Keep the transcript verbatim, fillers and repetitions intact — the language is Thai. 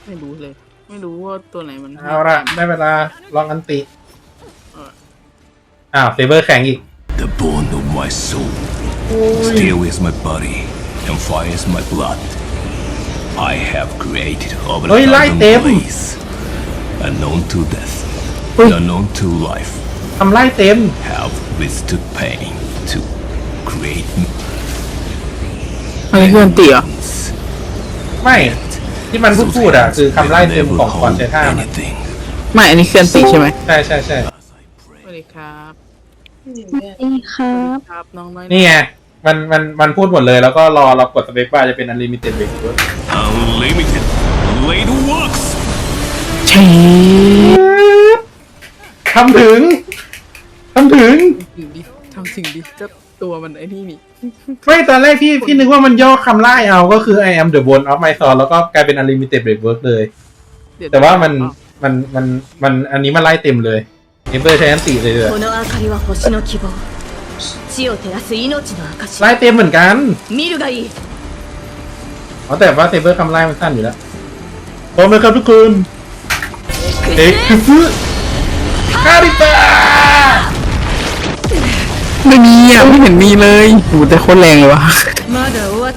ไม่รู้เลย ไม่รู้ว่าตัวไหนมันเอาละได้เวลาลองอันติอ้าวเซเบอร์แข็งอีก The bone of my soul. Steel is my body, and fire is my blood. I have created over a Ôi, lại thousand tìm. ways, unknown to death, Ui. unknown to life. ทำไล่เต็ม Have withstood pain to create อะไรคืออันตีอ่ะ millions. ไม่ที่มันพูดพูดอ่ะคือคำไล่เต็ม Never ของก่อน hold ใช้ท่ามัน anything. ไม่อันนี้คืออันตีใช่ไหมใช่ใช่ใช่สวัสดีครับนี่ครับครับน้องน้อยนี่ไงมันมันมันพูดหมดเลยแล้วก็รอเรากดสเปคบาร์จะเป็น unlimited break ด้วย Unlimited blade works. ใช่ทำถึงทำถึงถึงดิทำถึงดิก็ตัวมันไอ้นี่นี่ไม่ตอนแรกพี่พี่นึกว่ามันย่อคำไล่เอาก็คือ I am the bone of my soul แล้วก็กลายเป็น unlimited break work เลยเดี๋ยแต่ว่ามันมันมันมันอันนี้มันไล่เต็มเลยเอเบอร์ใช้อันติเลยเลยこの明かりは星の希望地を照らす命の証ไล่เต็มเหมือนกัน見るがいいอ๋อแต่ว่าเซเบอร์คำไล่มันสั้นอยู่แล้วพร้อมไหมครับทุกคนเอ็กซ์ฟูคาริตาไม่มีอ่ะไม่เห็นมีเลยโหแต่โคตรแรงเลยวะまだ終